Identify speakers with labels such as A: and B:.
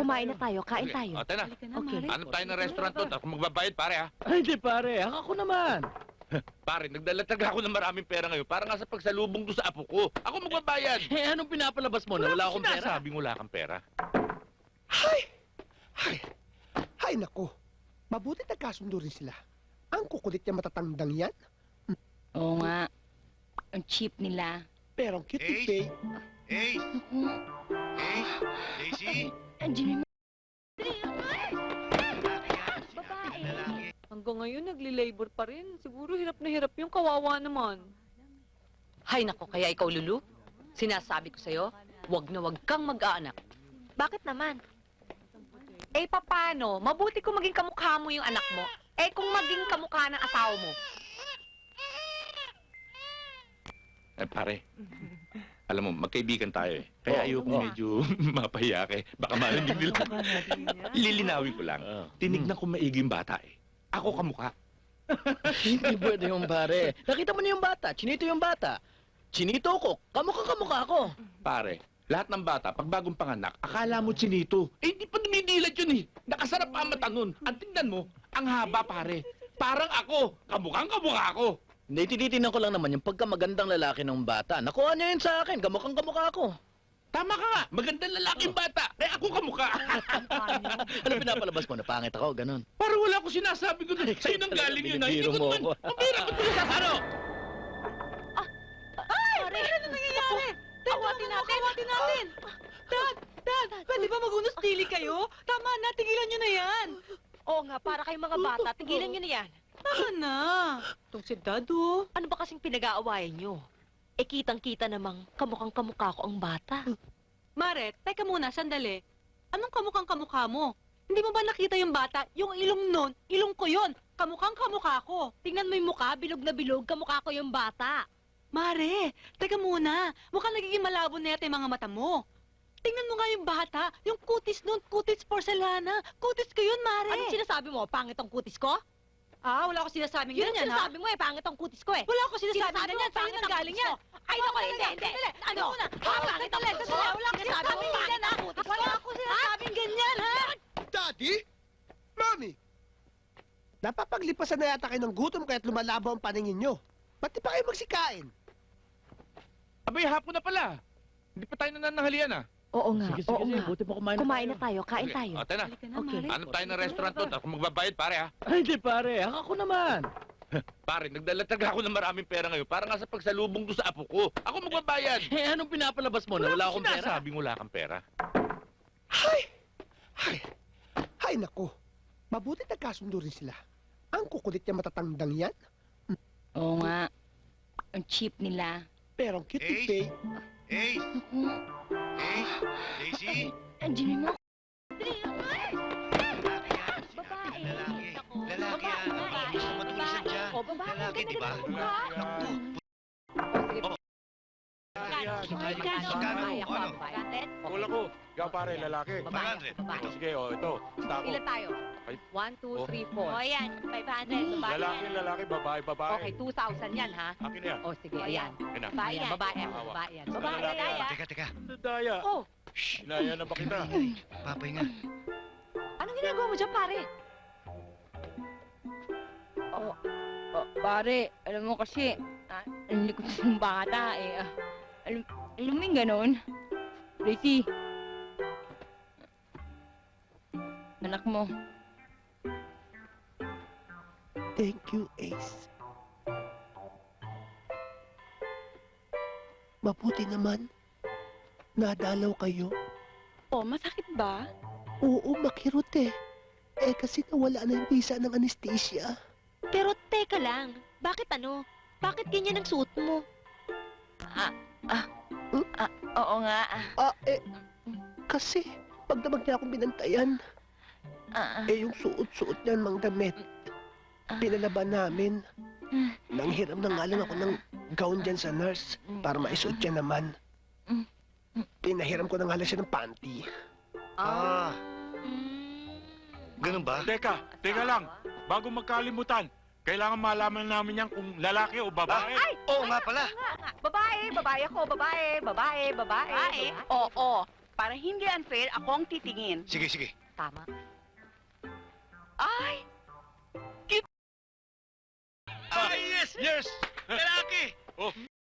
A: Kumain na tayo, kain
B: Sige.
A: tayo.
B: O, tayo na.
A: Okay.
B: Hanap tayo ng restaurant doon. Ako magbabayad, pare, ha?
C: Ay, hindi pare. Ako naman.
B: Pare, nagdala ako ng maraming pera ngayon. Para nga sa pagsalubong doon sa apo ko. Ako magbabayad.
C: Eh, anong pinapalabas mo na wala akong pera?
B: Sinasabing wala kang pera.
D: Hay nako. Mabuti nagkasundo rin sila. Ang kukulit niya matatandang yan.
A: Oo nga. Ang cheap nila.
D: Pero ang cute ni Faye.
E: Hey! Hey! Daisy!
A: Andiyan mo.
E: Lalaki.
F: Hanggang ngayon, nagli-labor pa rin. Siguro hirap na hirap yung kawawa naman.
G: Hay nako, kaya ikaw, Lulu, sinasabi ko sa'yo, wag na wag kang mag-aanak.
A: Bakit naman?
G: Eh, papano? Mabuti kung maging kamukha mo yung anak mo. Eh, kung maging kamukha ng asawa mo.
B: Eh, pare. Alam mo, magkaibigan tayo eh. Kaya ayoko medyo mapahiya ka eh. Baka marinig nila. Lilinawin ko lang. Tinignan ko maigi yung bata eh. Ako kamukha.
C: Hindi pwede yung pare. Nakita mo na yung bata. Chinito yung bata. Chinito ko. Kamukha ako.
B: Pare, lahat ng bata, pag bagong panganak, akala mo chinito. Eh, di pa dumidilat yun eh. Nakasarap pa ang mata nun. Ang tingnan mo, ang haba pare. Parang ako. Kamukhang kamukha ako.
C: Hindi, tinitingnan ko lang naman yung pagkamagandang lalaki ng bata. Nakuha niya yun sa akin. Kamukha ako.
B: Tama ka nga. Magandang lalaking bata. Eh, ako kamukha.
C: Ano pinapalabas mo? Napangit ako, ganun.
B: Parang wala ko sinasabi ko doon. Sa'yo nang galing yun. Hindi
C: Binibiro
B: ko
C: mo
B: naman.
C: ako.
B: Mabira ko doon. Ano?
F: Pare, ano nangyayari? Kawatin natin! Dad, pwede ba mag-unos dili kayo? Tama na, tigilan nyo na yan!
A: Oo nga, para kayong mga bata, tigilan nyo na yan.
F: Tama na! Itong si Dad, oh.
A: Ano ba kasing pinag-aawayan nyo? Eh, kitang-kita namang kamukhang kamukha ko ang bata.
F: Maret, teka muna, sandali. Anong kamukhang kamukha mo? Hindi mo ba nakita yung bata? Yung ilong nun, ilong ko yun. Kamukhang kamukha ko.
A: Tingnan mo yung mukha, bilog na bilog, kamukha ko yung bata.
F: Mare, teka muna. Mukhang nagiging malabo na yata yung mga mata mo. Tingnan mo nga yung bata. Yung kutis nun, kutis porcelana. Kutis ko yun, Mare.
A: Anong sinasabi mo? Pangit ang kutis ko?
F: Ah, wala ko sinasabing
A: Yun ang
F: ganyan, ha?
A: sinasabi mo eh, pangit ang kutis ko eh.
F: Wala ko sinasabing
A: Sinasabi
F: ganyan.
A: mo,
F: Sa'yo
A: pangit
F: nang
A: ang
F: galing
A: kutis
F: yan.
A: ko. Ay, naku, hindi. Ano? Pangit ang kutis ko.
F: Wala ko sinasabing ganyan, ha? Wala ko sinasabing ganyan, ha?
D: Daddy? Mami? Napapaglipasan na yata kayo ng gutom kaya't lumalabo ang paningin nyo. Ba't di pa kayo magsikain?
B: Abay, hapon na pala. Hindi pa tayo nananghalian ah.
A: Oo nga,
C: Sige,
A: oo nga.
C: buti pa kumain
A: Kumain na tayo, kain
B: Sige.
A: tayo.
B: O, tayo na.
F: Halika na,
A: Okay.
F: Mare.
B: Hanap tayo ng restaurant doon. Ako magbabayad, pare, ha?
C: Ay, hindi pare. Ako naman.
B: Pare, nagdala ako ng maraming pera ngayon. Para nga sa pagsalubong doon sa apo ko. Ako magbabayad.
C: Eh, anong pinapalabas mo na wala akong pera?
B: Sinasabing wala kang pera.
D: Hay nako. Mabuti nagkasundo rin sila. Ang kukulit niya matatandang yan.
A: Oo nga. Ang cheap nila.
D: Pero ang cute ni
E: Hey!
D: Faye.
E: Hey! Hey! Daisy!
A: Andiyan mo.
E: Babae! Lalaki! Lalaki yan! Gusto matulisan dyan!
A: O, babae.
E: Lalaki, di ba? Naku! Magkano? Ano?
B: Kulang ko. Ikaw, pare, lalaki.
E: 500. Ito.
B: Sige, ito. Basta ako.
G: Ilan tayo?
B: Ay.
G: 1, 2,
B: Oh.
G: 3,
A: O,
G: 4.
A: yan. 500. Babae yan.
B: Lalaki, babae.
G: Okay, 2,000 yan, ha?
B: Akin na yan.
G: O, sige, ayan.
B: Akin na.
A: Babae
G: Ayan,
A: yan.
G: babae,
B: Awa.
G: babae yan.
A: Babae
B: Lalaki
A: yan.
B: yan.
E: Teka.
B: Daya.
G: Oh,
B: Inaya na ba kita?
E: Papahinga.
G: anong ginagawa mo dyan, pare?
H: Pare, alam mo kasi, ang likod ng bata eh. Alam mo yung ganon? Tracy. Anak mo.
D: Thank you, Ace. Mabuti naman. Nadalaw kayo.
H: Oh, masakit ba?
D: Oo, makirot eh. Eh, kasi nawala na yung visa ng anesthesia.
A: Pero teka lang. Bakit ano? Bakit ganyan ang suot mo?
H: Oo nga.
D: Kasi, pag damag niya akong binantayan, yung suot-suot niyan, mang damit. Pinalaban namin. Nanghiram na nga lang ako ng gown dyan sa nurse para maisuot niya naman. Pinahiram ko na nga lang siya ng panty.
E: Ah,
A: Mm.
E: ganun ba?
B: Teka lang. Bago magkalimutan, kailangan malaman namin yan kung lalaki o babae.
E: Oo nga pala.
G: Babae ako, babae.
A: Babae?
G: Oo.
I: Para hindi unfair, ako ang titingin.
E: Sige, sige.
A: Tama.
I: Ay!
E: Yes! Yes! Lalaki! Oh,